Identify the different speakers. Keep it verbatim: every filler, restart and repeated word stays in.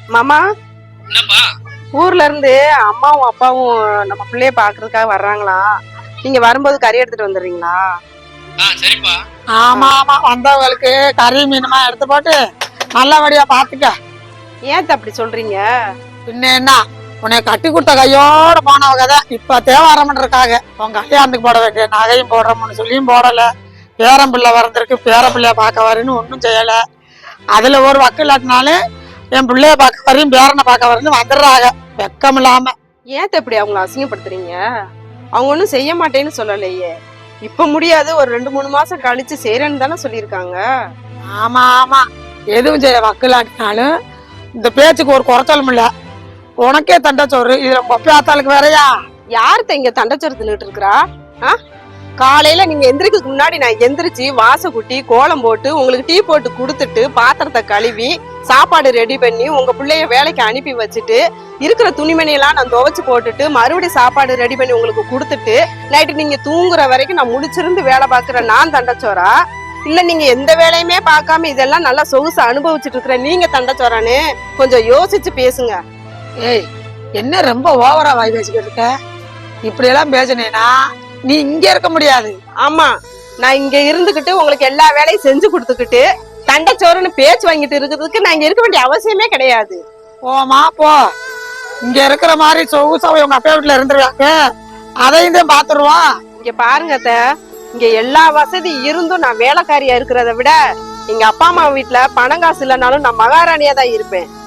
Speaker 1: மாமா,
Speaker 2: என்னப்பா?
Speaker 1: ஊர்ல இருந்து அம்மாவும் அப்பாவும் நம்ம பிள்ளைய பாக்குறதுக்காக வர்றாங்களா? நீங்க வரும்போது கறி எடுத்துட்டு வந்துடுறீங்களா?
Speaker 2: ஆ சரிப்பா.
Speaker 3: ஆமா ஆமா, வந்தவங்களுக்கு கறி மீனுமா எடுத்து போட்டு நல்லபடியா பாத்துக்க.
Speaker 1: ஏன் அப்படி சொல்றீங்க?
Speaker 3: பின்ன என்ன, உன்னை கட்டி கொடுத்த கையோட போனவங்க தான் இப்ப தேவாரம்னு இருக்காங்க. உன் கல்யாணத்துக்கு போட வேண்டிய நகையும் போடுறோம்னு சொல்லியும் போடல. பேரம் பிள்ளை வளர்ந்துருக்கு, பேர பிள்ளைய பார்க்க வரேன்னு ஒன்றும் செய்யல. அதுல ஒரு வக்கு இல்லாட்டினாலும் என் பிள்ளைய பார்க்க வரையும் பேரனை பார்க்க வரேன்னு வந்துடுறாங்க வெக்கம் இல்லாம.
Speaker 1: ஏன் இப்படி அவங்கள அசிங்கப்படுத்துறீங்க? அவங்க ஒன்றும் செய்ய மாட்டேன்னு சொல்லலையே. இப்ப முடியாது, ஒரு ரெண்டு மூணு மாசம் கழிச்சு செய்யறேன்னு தானே சொல்லியிருக்காங்க.
Speaker 3: ஆமா ஆமா, எதுவும் செய்ய வக்கு இல்லாட்டினாலும் இந்த பேச்சுக்கு ஒரு குறைச்சலும் இல்ல. உனக்கே தண்டச்சோறு, இதுல பொப்பியாத்தாளுக்கு வேறையா?
Speaker 1: யார்த்த இங்க தண்டச்சோறு தின்னுட்டு இருக்கிறா? ஆ, காலையில நீங்க எந்திரிக்கிறதுக்கு முன்னாடி நான் எந்திரிச்சு வாச குட்டி கோலம் போட்டு உங்களுக்கு டீ போட்டு குடுத்துட்டு பாத்திரத்தை கழுவி சாப்பாடு ரெடி பண்ணி உங்க பிள்ளைய வேலைக்கு அனுப்பி வச்சுட்டு இருக்கிற துணிமணி எல்லாம் நான் துவைச்சு போட்டுட்டு மறுபடியும் சாப்பாடு ரெடி பண்ணி உங்களுக்கு கொடுத்துட்டு நைட்டு நீங்க தூங்குற வரைக்கும் நான் முடிச்சிருந்து வேலை பாக்குற நான் தண்டச்சோரா? இல்ல நீங்க எந்த வேலையுமே பார்க்காம இதெல்லாம் நல்லா சொகுசு அனுபவிச்சுட்டு இருக்கிற நீங்க தண்டச்சோரான்னு கொஞ்சம் யோசிச்சு பேசுங்க.
Speaker 3: ஏய், என்ன ரொம்ப ஓவரா வாய் பேசிக்கிட்டு இருக்க? இப்படி எல்லாம் பேசினேன்னா நீ இங்க இருக்க முடியாது.
Speaker 1: ஆமா, நான் இங்க இருந்துகிட்டு உங்களுக்கு எல்லா வேலையும் செஞ்சு கொடுத்துக்கிட்டு தண்டச்சோறுன்னு பேச்சு வாங்கிட்டு இருக்கிறதுக்கு நான் இங்க இருக்க வேண்டிய அவசியமே கிடையாது.
Speaker 3: போமா போ, இங்க இருக்கிற மாதிரி சொகுசாவை உங்க அப்பா வீட்டுல இருந்துருவாங்க, அதையும் தான் பாத்துருவான்.
Speaker 1: இங்க பாருங்க அத்தை, இங்க எல்லா வசதி இருந்தும் நான் வேலைக்காரியா இருக்கிறத விட எங்க அப்பா அம்மா வீட்டுல பணம் காசு இல்லைனாலும் நான் மகாராணியா தான் இருப்பேன்.